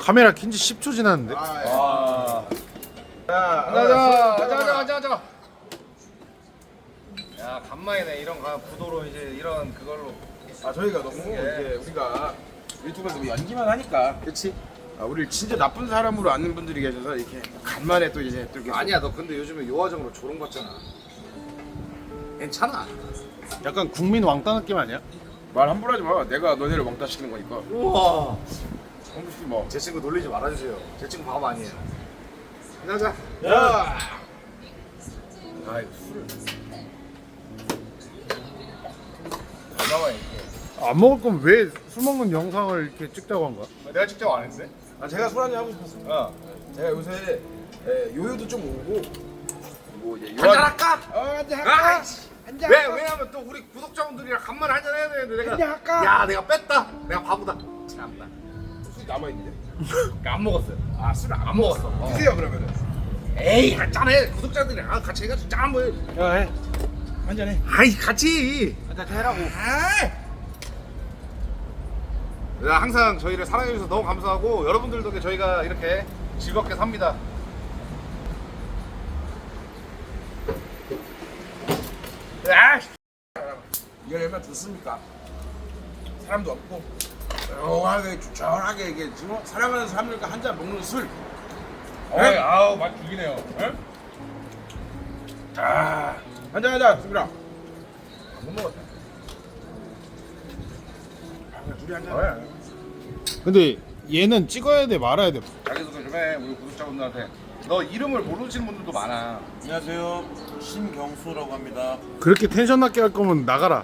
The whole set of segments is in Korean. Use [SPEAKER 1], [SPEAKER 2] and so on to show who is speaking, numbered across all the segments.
[SPEAKER 1] 카메라 킨지 10초 지났는데?
[SPEAKER 2] 앉아. 야 간만이네 이런 구도로 이제 이런 그걸로.
[SPEAKER 3] 저희가 너무 이제 우리가 유튜브에서 연기만 하니까
[SPEAKER 2] 그렇지.
[SPEAKER 3] 우리를 진짜 나쁜 사람으로 아는 분들이 계셔서 이렇게 간만에 또 이제 또 이렇게
[SPEAKER 2] 아니야 너 근데 요즘에 요화정으로 조롱받잖아. 괜찮아.
[SPEAKER 1] 약간 국민 왕따 느낌 아니야?
[SPEAKER 3] 말 함부로 하지 마. 내가 너네를 왕따 시키는 거니까.
[SPEAKER 2] 우와.
[SPEAKER 3] 홍규씨 뭐.
[SPEAKER 2] 제 친구 놀리지 말아주세요. 제 친구 바보 아니에요. 가자.
[SPEAKER 3] 야.
[SPEAKER 2] 아이 술을. 얼마만에 이렇게.
[SPEAKER 1] 안 먹을 거면 왜 술 먹는 영상을 이렇게 찍자고 한 거야?
[SPEAKER 2] 내가 직접 안 했는데?
[SPEAKER 3] 제가 술 한잔 하고 싶었어요. 제가 요새 요요도 좀 오고 뭐 이제
[SPEAKER 2] 한잔 할까?
[SPEAKER 3] 한잔 할까? 한잔 할까?
[SPEAKER 2] 왜냐면 또 우리 구독자분들이랑 간만에 한잔 해야 되는데 내가
[SPEAKER 3] 한잔 할까?
[SPEAKER 2] 야 내가 뺐다. 내가 바보다. 참다.
[SPEAKER 3] 술 남아 있는데.
[SPEAKER 2] 안 먹었어요.
[SPEAKER 3] 술
[SPEAKER 2] 안 먹었어.
[SPEAKER 3] 드세요 그러면은.
[SPEAKER 2] 에이 짠해. 구독자들이랑 같이 해가지고 짠 한번 해.
[SPEAKER 3] 야 해. 한잔 해.
[SPEAKER 2] 아이 같이.
[SPEAKER 3] 한잔 해라고.
[SPEAKER 2] 항상 저희를 사랑해주셔서 너무 감사하고 여러분들 덕에 저희가 이렇게 즐겁게 삽니다.
[SPEAKER 3] 이걸 얼마나 좋습니까? 사람도 없고 조용하게 추천하게 이게 지금 사랑하는 사람들과 한 잔 먹는 술.
[SPEAKER 2] 아우 맛 죽이네요.
[SPEAKER 3] 한잔 하자 수빈아.
[SPEAKER 2] 못 먹었다.
[SPEAKER 3] 둘이 한잔.
[SPEAKER 1] 근데 얘는 찍어야 돼 말아야 돼?
[SPEAKER 2] 자기소개 좀 해. 우리 구독자분들한테. 너 이름을 모르시는 분들도 많아.
[SPEAKER 4] 안녕하세요. 신경수라고 합니다.
[SPEAKER 1] 그렇게 텐션 낮게 할 거면 나가라.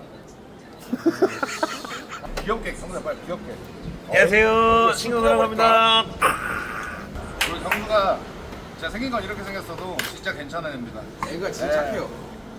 [SPEAKER 2] 귀엽게 경수야 빨리 귀엽게.
[SPEAKER 4] 안녕하세요. 신경수라고 합니다.
[SPEAKER 2] 우리 경수가 진짜 생긴 건 이렇게 생겼어도 진짜 괜찮은 애입니다.
[SPEAKER 3] 애가 진짜 착해요.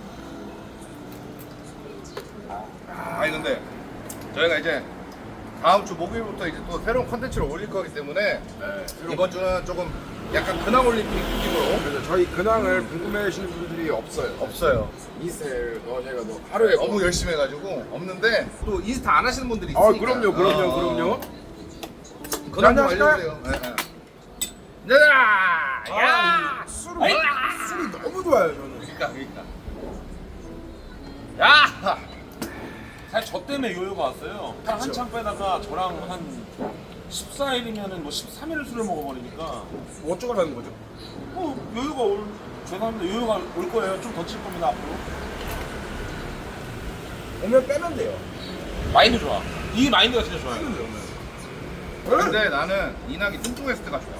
[SPEAKER 2] 아니 근데 저희가 이제 다음 주 목요일부터 이제 또 새로운 컨텐츠를 올릴 거기 때문에 이번 주는 조금 약간 근황 올림픽 느낌으로
[SPEAKER 3] 그래서 저희 근황을 궁금해하시는 분들이 없어요.
[SPEAKER 2] 없어요.
[SPEAKER 3] 이슬 저희가 하루에
[SPEAKER 2] 너무 열심히 해가지고 없는데 또 인스타 안 하시는 분들이 있으니까.
[SPEAKER 3] 그럼요.
[SPEAKER 2] 근황 좀
[SPEAKER 3] 한잔
[SPEAKER 2] 알려주세요. 네. 야!
[SPEAKER 3] 술이 너무 좋아요 저는.
[SPEAKER 2] 그러니까. 야!
[SPEAKER 4] 사실 저 때문에 요요가 왔어요. 한창 빼다가 저랑 한 14일이면은 뭐 13일 술을 먹어버리니까
[SPEAKER 3] 뭐 어쩌고라는 거죠?
[SPEAKER 4] 요요가 죄송합니다. 요요가 올 거예요. 좀 더 칠 겁니다 앞으로.
[SPEAKER 3] 오면 빼면 돼요.
[SPEAKER 4] 마인드 좋아. 이 마인드가 진짜 좋아요.
[SPEAKER 2] 근데 나는 이낙이 뚱뚱했을 때가 좋아.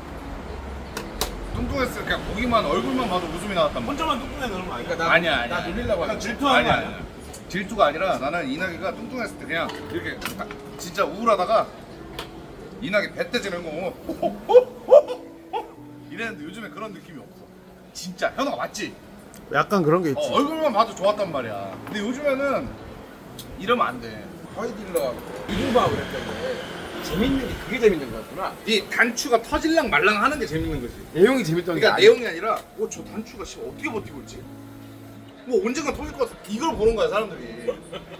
[SPEAKER 2] 뚱뚱했을 때 그냥 보기만 얼굴만 봐도 웃음이 나왔단 말이야.
[SPEAKER 4] 혼자만 뚱뚱해 그런 거 아니야?
[SPEAKER 3] 그러니까
[SPEAKER 2] 아니야.
[SPEAKER 3] 나 놀리려고 하는 거야.
[SPEAKER 4] 질투하는 거 아니야?
[SPEAKER 2] 질투가 아니라 나는 이낙이가 뚱뚱했을 때 그냥 이렇게 진짜 우울하다가 이낙이 배때 지는 거 이랬는데 요즘에 그런 느낌이 없어. 진짜 현우가 맞지?
[SPEAKER 1] 약간 그런 게 있지.
[SPEAKER 2] 얼굴만 봐도 좋았단 말이야. 근데 요즘에는 이러면 안 돼.
[SPEAKER 3] 허이딜러 유튜브하고 그랬는데 재밌는 게 그게 재밌는 거였구나.
[SPEAKER 2] 이 단추가 터질랑 말랑 하는 게 재밌는 거지.
[SPEAKER 3] 내용이 재밌던 게
[SPEAKER 2] 그러니까
[SPEAKER 3] 아니야.
[SPEAKER 2] 내용이 아니라 저 단추가 씨 어떻게 버티고 있지? 뭐 언젠가 터질 것 같아. 이걸 보는 거야 사람들이.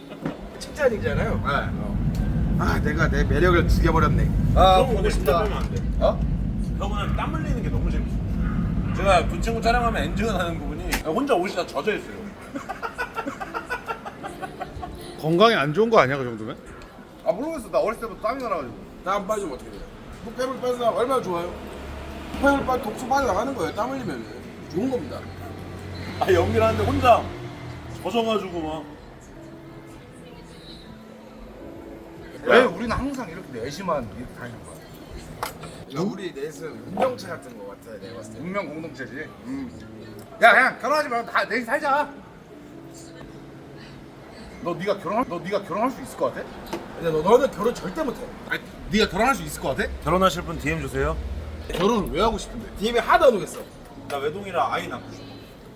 [SPEAKER 3] 칭찬이잖아요. 내가 내 매력을 죽여버렸네.
[SPEAKER 2] 아
[SPEAKER 4] 그런 거 진짜 빼면 안 돼.
[SPEAKER 2] 어?
[SPEAKER 4] 형은 땀 흘리는 게 너무 재밌어. 제가 그 친구 촬영하면 엔진을 하는 부분이 혼자 옷이 다 젖어 있어요.
[SPEAKER 1] 건강에 안 좋은 거 아니야 그 정도면?
[SPEAKER 2] 모르겠어. 나 어렸을 때부터 땀이 나가지고.
[SPEAKER 3] 나 안 빠지면 어떻게 돼요? 폐물 빠져 얼마나 좋아요? 폐물 빠 독소 빠져나가는 거예요. 땀 흘리면 좋은 겁니다.
[SPEAKER 4] 연기를 하는데 혼자 젖어가지고 막.
[SPEAKER 2] 왜 우리는 항상 이렇게 내시만 이렇게 다니는 거야?
[SPEAKER 3] 그러니까 우리 넷은 운명체 같은 거 같아 내가 봤을 때.
[SPEAKER 2] 운명 공동체지. 야 그냥 결혼하지 말고 다 넷이 살자. 너 네가 결혼할 수 있을 것 같아?
[SPEAKER 3] 근데 너는 결혼 절대 못해.
[SPEAKER 2] 아니 네가 결혼할 수 있을 것 같아?
[SPEAKER 4] 결혼하실 분 DM 주세요.
[SPEAKER 2] 결혼을 왜 하고 싶은데?
[SPEAKER 3] DM에 하도 안 오겠어.
[SPEAKER 4] 나 외동이라 아이 낳고 싶어.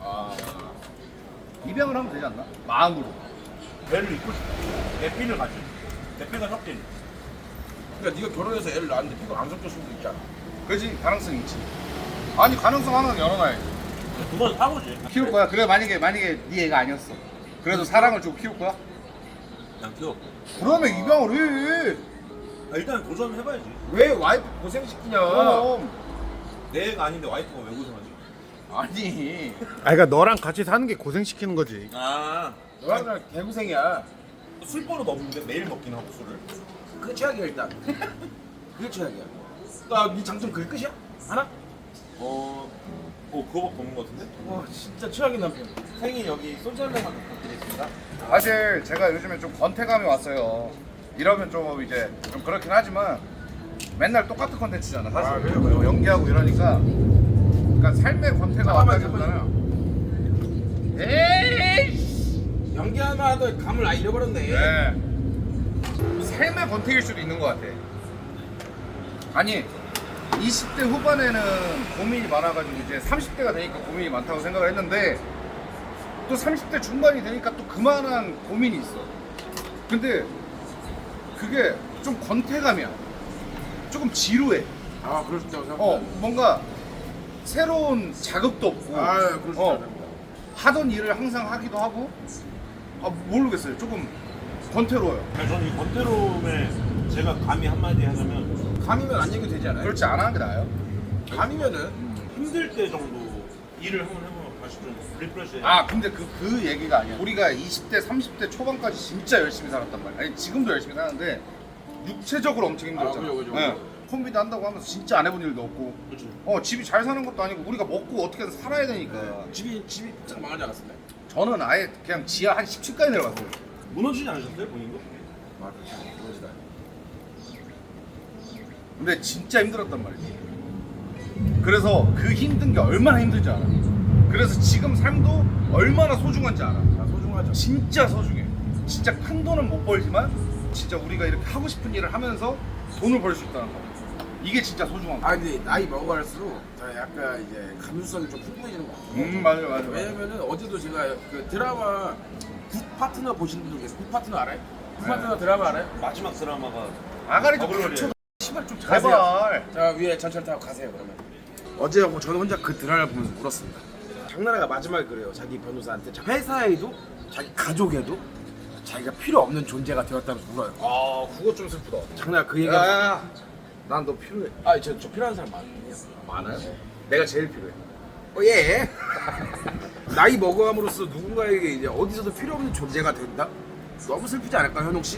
[SPEAKER 2] 입양을 하면 되지 않나? 마음으로.
[SPEAKER 4] 배를 입고 싶어. 대피를 가지. 대피가 섞인.
[SPEAKER 3] 그러니까 네가 결혼해서 애를 낳았는데 피가 안 섞일 수도 있잖아.
[SPEAKER 2] 그지 가능성이 있지. 아니 가능성 하나는 열어놔야지.
[SPEAKER 4] 그건 사고지.
[SPEAKER 2] 키울 거야. 그래 만약에 네 애가 아니었어. 그래도 사랑을 주고 키울 거야?
[SPEAKER 4] 그냥 키워.
[SPEAKER 2] 그러면 입양을 해.
[SPEAKER 4] 일단 도전해봐야지.
[SPEAKER 3] 왜 와이프 고생시키냐?
[SPEAKER 2] 그럼
[SPEAKER 4] 내 애가 아닌데 와이프가 왜 고생하지?
[SPEAKER 3] 아니
[SPEAKER 1] 아 그러니까 너랑 같이 사는 게 고생시키는 거지.
[SPEAKER 4] 아,
[SPEAKER 3] 너랑 개고생이야.
[SPEAKER 4] 술 버릇 없는데 매일 먹긴 하고 술을.
[SPEAKER 3] 그게 최악이야 일단. 그게 최악이야. 나네 장점 그게 끝이야? 하나?
[SPEAKER 4] 그거밖에 없는 것 같은데?
[SPEAKER 3] 와 진짜 최악인 남편.
[SPEAKER 4] 생일 여기 소주 한 잔만 부탁드리겠습니다.
[SPEAKER 2] 사실 제가 요즘에 좀 권태감이 왔어요. 이러면 좀 이제 좀 그렇긴 하지만 맨날 똑같은 컨텐츠잖아 사실.
[SPEAKER 3] 아, 그래요?
[SPEAKER 2] 연기하고 이러니까 그러니까 삶의 권태가 왔다기보다는 에이
[SPEAKER 3] 연기하면 하던 감을 아예 잃어버렸네.
[SPEAKER 2] 네. 삶의 권태일 수도 있는 것 같아. 아니 20대 후반에는 고민이 많아가지고 이제 30대가 되니까 고민이 많다고 생각을 했는데 또 30대 중반이 되니까 또 그만한 고민이 있어. 근데 그게 좀 권태감이야. 조금 지루해.
[SPEAKER 3] 아 그럴 수 있다고 생각해.
[SPEAKER 2] 뭔가 새로운 자극도 없고
[SPEAKER 3] 아 그럴 수 있다고 생각해.
[SPEAKER 2] 하던 일을 항상 하기도 하고 모르겠어요. 조금 권태로워요.
[SPEAKER 4] 아니, 저는 이 권태로움에 제가 감히 한마디 하자면
[SPEAKER 3] 감이면 안 얘기도 되지 않아요?
[SPEAKER 2] 그렇지 안 하는 게 나아요.
[SPEAKER 3] 감이면은
[SPEAKER 4] 힘들 때 정도 일을 한번 해보면 다시 좀 리프레시.
[SPEAKER 2] 근데 그 얘기가 아니야. 우리가 20대, 30대 초반까지 진짜 열심히 살았단 말이야. 아니 지금도 열심히 사는데 육체적으로 엄청 힘들었잖아.
[SPEAKER 3] 그죠.
[SPEAKER 2] 콤비도 한다고 하면서 진짜 안 해본 일도 없고.
[SPEAKER 4] 그렇죠.
[SPEAKER 2] 집이 잘 사는 것도 아니고 우리가 먹고 어떻게든 살아야 되니까.
[SPEAKER 3] 집이 쫙 망하지 않았습니까?
[SPEAKER 2] 저는 아예 그냥 지하 한 10층까지 내려갔어요.
[SPEAKER 4] 무너지지 않으셨어요 본인도?
[SPEAKER 3] 아 그렇지. 그러지다.
[SPEAKER 2] 근데 진짜 힘들었단 말이지. 그래서 그 힘든 게 얼마나 힘든지 알아. 그래서 지금 삶도 얼마나 소중한지 알아.
[SPEAKER 3] 아 소중하죠.
[SPEAKER 2] 진짜 소중해. 진짜 큰 돈은 못 벌지만 진짜 우리가 이렇게 하고 싶은 일을 하면서 돈을 벌 수 있다는 거. 이게 진짜 소중한 거.
[SPEAKER 3] 근데 나이 먹어갈수록 더 약간 이제 감수성이 좀 풍부해지는 것 같아요.
[SPEAKER 2] 맞아.
[SPEAKER 3] 왜냐면은 어제도 제가 그 드라마 굿 파트너 보시는 분들 계세요. 굿 파트너 알아요? 굿 파트너 드라마 알아요?
[SPEAKER 4] 마지막 드라마가
[SPEAKER 2] 아가리 좀
[SPEAKER 4] 더블로리예요.
[SPEAKER 2] 쳐. 씨발 좀
[SPEAKER 3] 가세요.
[SPEAKER 2] 제발.
[SPEAKER 3] 자 위에 전철 타고 가세요 그러면. 어제 저는 혼자 그 드라마를 보면서 울었습니다. 장나라가 마지막에 그래요. 자기 변호사한테 회사에도 자기 가족에도 자기가 필요 없는 존재가 되었다면서 울어요.
[SPEAKER 2] 그거 좀 슬프다.
[SPEAKER 3] 장나라 그 얘기가
[SPEAKER 2] 야야야. 난 너 필요해.
[SPEAKER 3] 저 필요한 사람 많아요.
[SPEAKER 2] 많아요? 내가 제일 필요해.
[SPEAKER 3] 예. 나이 먹어감으로써 누군가에게 이제 어디서도 필요 없는 존재가 된다? 너무 슬프지 않을까 현웅 씨?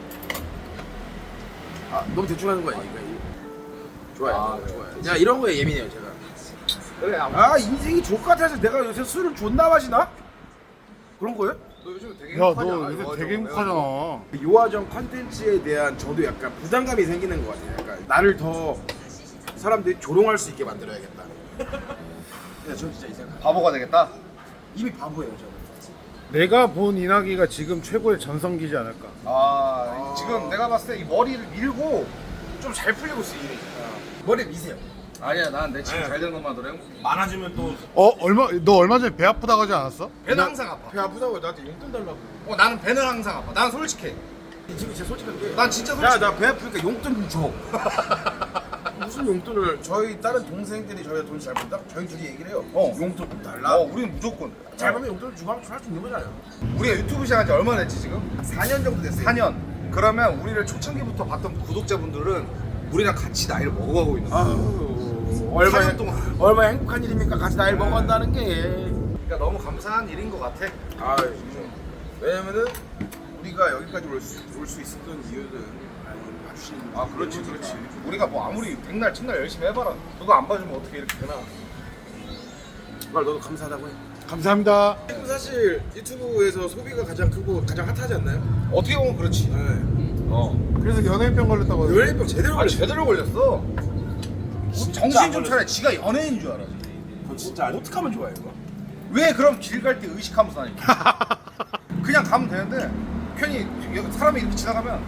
[SPEAKER 3] 너무 대충 하는 거 아니니까. 좋아요. 야 이런 거에 예민해요 제가.
[SPEAKER 2] 그래.
[SPEAKER 3] 인생이 족같아서 내가 요새 술을 존나 마시나? 그런 거예요?
[SPEAKER 2] 너 요즘 되게
[SPEAKER 1] 야
[SPEAKER 2] 행복하지
[SPEAKER 1] 너
[SPEAKER 2] 않아?
[SPEAKER 1] 요새
[SPEAKER 2] 이거
[SPEAKER 1] 되게
[SPEAKER 2] 좀
[SPEAKER 1] 행복하잖아.
[SPEAKER 3] 요화정 컨텐츠에 대한 저도 약간 부담감이 생기는 것 같아요. 약간 나를 더 사람들이 조롱할 수 있게 만들어야겠다. 저 진짜 이 생각.
[SPEAKER 2] 바보가 되겠다.
[SPEAKER 3] 이미 바보예요 저는.
[SPEAKER 1] 내가 본 이낙이가 지금 최고의 전성기지 않을까.
[SPEAKER 2] 지금 내가 봤을 때 이 머리를 밀고 좀 잘 풀리고 있어 이미.
[SPEAKER 3] 머리 미세요.
[SPEAKER 2] 아니야, 난 내 지금
[SPEAKER 4] 아니야.
[SPEAKER 2] 잘 되는 것만 노래.
[SPEAKER 4] 많아지면 또
[SPEAKER 1] 너 얼마 전에 배 아프다고 하지 않았어?
[SPEAKER 2] 배는 항상 아파.
[SPEAKER 3] 배 아프다고 나한테 용돈 달라고.
[SPEAKER 2] 나는 배는 항상 아파. 난 솔직해.
[SPEAKER 3] 지금 진짜 솔직한 게.
[SPEAKER 2] 난 진짜 솔직해.
[SPEAKER 3] 나 배 아프니까 용돈 좀 줘. 무슨 용돈을 저희 다른 동생들이 저희가 돈 잘 번다? 저희 둘이 얘기를 해요. 용돈 좀 달라.
[SPEAKER 2] 우리는 무조건.
[SPEAKER 3] 잘 벌면 용돈을 주고 하면 할 수 있는 거잖아요.
[SPEAKER 2] 우리가 유튜브 시작한 지 얼마나 됐지 지금?
[SPEAKER 3] 4년 정도 됐어요.
[SPEAKER 2] 4년. 그러면 우리를 초창기부터 봤던 구독자분들은 우리랑 같이 나이를 먹어가고 있는 거야.
[SPEAKER 3] 얼마나
[SPEAKER 2] 4년 동안.
[SPEAKER 3] 얼마나 행복한 일입니까? 같이 나이를 먹어간다는 게.
[SPEAKER 2] 그러니까 너무 감사한 일인 것 같아.
[SPEAKER 3] 왜냐면은 우리가 여기까지 올 수 있었던 이유는 봐주시는
[SPEAKER 2] 그렇지. 우리가 뭐 아무리 백날 첫날 열심히 해봐라. 그거 안 봐주면 어떻게 이렇게 되나?
[SPEAKER 3] 정말 너도 감사하다고 해.
[SPEAKER 1] 감사합니다.
[SPEAKER 3] 사실 유튜브에서 소비가 가장 크고 가장 핫하지 않나요?
[SPEAKER 2] 어떻게 보면 그렇지.
[SPEAKER 1] 그래서 연예인병 걸렸다고 하던데.
[SPEAKER 3] 연예인병 제대로 걸렸어.
[SPEAKER 2] 제대로 걸렸어. 정신 좀 차려. 지가 연예인인 줄 알아.
[SPEAKER 4] 그거 진짜 아니.
[SPEAKER 3] 어떻게 하면 좋아요 이거?
[SPEAKER 2] 왜 그럼 길 갈 때 의식하면서 다니까? 그냥 가면 되는데 괜히 사람이 이렇게 지나가면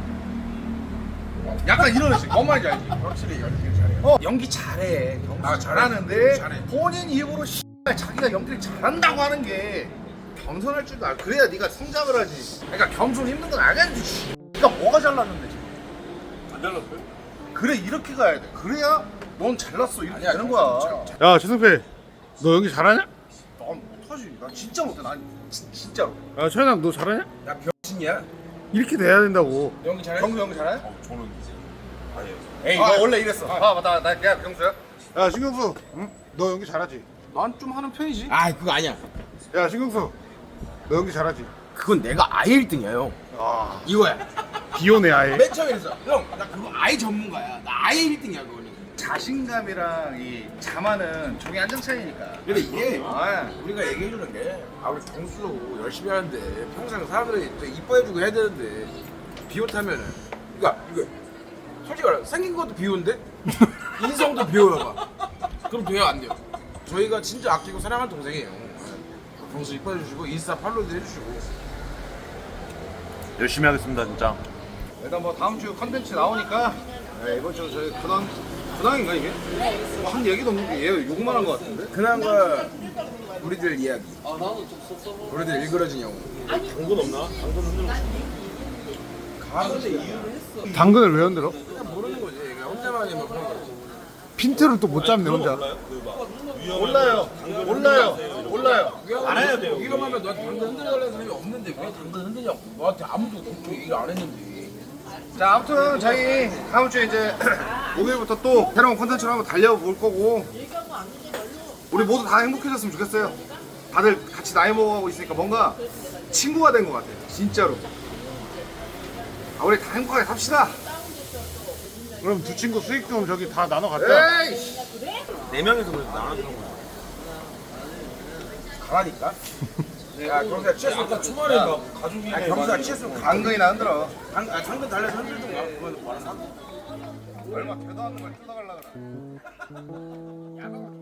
[SPEAKER 2] 약간 이런 의식. 뭔 말인지 알지?
[SPEAKER 3] 확실히 연기 잘해요.
[SPEAKER 2] 연기 잘해.
[SPEAKER 3] 아,
[SPEAKER 2] 잘하는데
[SPEAKER 3] 잘해.
[SPEAKER 2] 본인 입으로 자기가 연기를 잘한다고 하는 게 겸손할 줄도 알고 그래야 네가 성장을 하지. 그러니까 겸손 힘든 건 알겠지. 네가 뭐가 잘났는데 지금.
[SPEAKER 4] 안 잘랐어요?
[SPEAKER 2] 그래 이렇게 가야 돼. 그래야 넌 잘났어 이렇게
[SPEAKER 3] 아니야,
[SPEAKER 2] 되는 거야.
[SPEAKER 1] 야 최승필, 너 연기 잘하냐?
[SPEAKER 2] 난 못하지. 난 진짜 못해. 난 진짜로.
[SPEAKER 1] 야 최현아, 너 잘하냐?
[SPEAKER 3] 나 병신이야.
[SPEAKER 1] 이렇게 돼야 된다고.
[SPEAKER 3] 연기 잘해?
[SPEAKER 2] 경수 연기 잘해?
[SPEAKER 4] 저는
[SPEAKER 2] 에이 너 원래 이랬어. 나 내가 경수야?
[SPEAKER 1] 야 신경수, 응? 너 연기 잘하지?
[SPEAKER 2] 난 좀 하는 편이지.
[SPEAKER 3] 아 그거 아니야.
[SPEAKER 1] 야 신경수, 너 연기 잘하지?
[SPEAKER 3] 그건 내가 아예 1등이야 형.
[SPEAKER 1] 아
[SPEAKER 3] 이거야.
[SPEAKER 1] 비오네 아예.
[SPEAKER 3] 맨 처음에 그랬어. 형, 나 그거 아예 전문가야. 나 아예 1등이야 그거는.
[SPEAKER 2] 자신감이랑 이 자만은 종이 한 장 차이니까.
[SPEAKER 3] 근데 이게
[SPEAKER 2] 아,
[SPEAKER 3] 우리가 얘기해주는 게 우리 경수도 열심히 하는데 평생 사람들이 또 이뻐해주고 해야 되는데 비호타면은 그러니까 이거 솔직히 말해 생긴 것도 비호인데 인성도 비호여봐. 그럼 돼요 안 돼요? 저희가 진짜 아끼고 사랑하는 동생이에요. 경수 이뻐해주시고 인스타 팔로우도 해주시고.
[SPEAKER 4] 열심히 하겠습니다 진짜.
[SPEAKER 2] 일단 뭐 다음 주 컨텐츠 나오니까 이번 주 저희 근황인가 이게? 뭐 한 얘기도 없는 게 얘 욕만 한 거 같은데?
[SPEAKER 3] 근황과 우리들 이야기. 우리들 일그러진 영웅.
[SPEAKER 4] 당근 없나? 당근
[SPEAKER 3] 가는데 이유를 했어.
[SPEAKER 1] 당근을 왜 흔들어?
[SPEAKER 3] 그냥 모르는 거지. 그냥 혼자만이 막 그런 거지.
[SPEAKER 1] 핀트를 또 못 잡네 혼자.
[SPEAKER 2] 몰라요.
[SPEAKER 4] 안 해야 돼요.
[SPEAKER 3] 위험하면 너한테 당근 흔들려는 사람이 없는데 왜 당근 흔드냐고. 너한테 아무도 그렇게 얘기를 안 했는데.
[SPEAKER 2] 자 아무튼 저희 다음 주에 이제 목요일부터 또 새로운 콘텐츠를 한번 달려볼 거고 우리 모두 다 행복해졌으면 좋겠어요. 다들 같이 나이 먹어가고 있으니까 뭔가 친구가 된 것 같아요. 진짜로. 우리 다 행복하게 삽시다.
[SPEAKER 1] 그럼 두 친구 수익 좀 저기 다 나눠 갖자.
[SPEAKER 2] 에이.
[SPEAKER 4] 4명에서 그래도 나눠주는 거야.
[SPEAKER 3] 가라니까? 야 경수야 취했어.
[SPEAKER 4] 아까 초반에 막 가족이
[SPEAKER 3] 경수야 취했으면
[SPEAKER 2] 당근이나 흔들어.
[SPEAKER 3] 당근 달래서 흔들던가. 그건 뭐라
[SPEAKER 2] 얼마 되도 않는 걸 뜯어가려고 그래.